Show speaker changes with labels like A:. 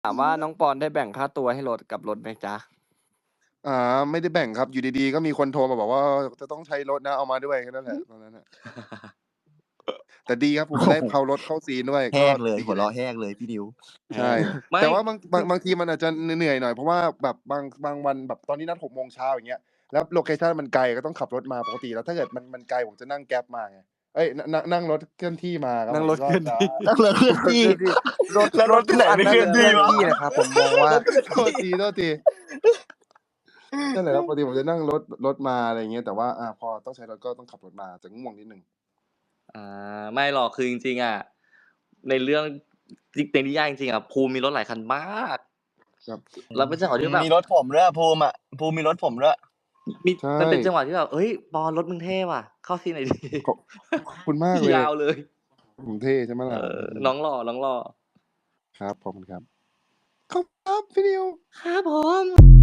A: ถามว่าน้องปอนได้แบ่งค่าตัวให้รถกับรถไหมจ๊ะ
B: ไม่ได้แบ่งครับอยู่ดีๆก็มีคนโทรมาบอกว่าจะต้องใช้รถนะเอามาด้วยแค่นั้นแหละตอนนั้นน่ะแต่ดีครับผมได้เพารถเข้าซีนด้วยก็
C: แห้งเลย
B: ดี
C: หัว
B: แหละ
C: เราะแห้งเลยพี่ดิว
B: ใช่
A: ไม่
B: แต่ว่าบางทีมันอาจจะเหนื่อยหน่อยเพราะว่าแบบบางวันแบบตอนนี้นัด6 โมงเช้าอย่างเงี้ยแล้วโลเคชันมันไกลก็ต้องขับรถมาปกติแล้วถ้าเกิดมันไกลผมจะนั่ง Grab มาไงเอ๊ยนั่งรถเคลื่อนที่มาครับ
A: นั่ง
B: ผม
A: รถเคลื่อนที่
C: นั่งเรือเคลื่อนที่ แล้วรถที่ไหนไม่เคลื่อนที่วะ
D: ที่นะครับผมมองว่า
B: โทษทีนั่นแหละครับปกติผมจะนั่งรถมาอะไรอย่างเงี้ยแต่ว่าพอต้องใช้รถก็ต้องขับรถมาจะง่วงนิดนึง
E: ไม่หรอกคือจริงๆอ่ะในเรื่องในนิยายจริงๆอ่ะภูมิมีรถหลายคันมาก
B: ครับ
E: แล้วเป็นจังหวะที่แบบ
C: มีรถผมด้วยภูมิมีรถผมด้วย
E: มี
B: ใช่
E: มันเป็นจังหวะที่แบบเอ้ยปอนรถมึงเท่ว่ะ เข้าซีนหน่อยดิ
B: ขอบคุณมากเลย
E: ยาวเลย
B: ผมเท่ใช่ไหมล่ะ
E: น้องหล่อ
B: ครับขอบคุณครับขอบคุณครับพี่นิว
E: ครับผม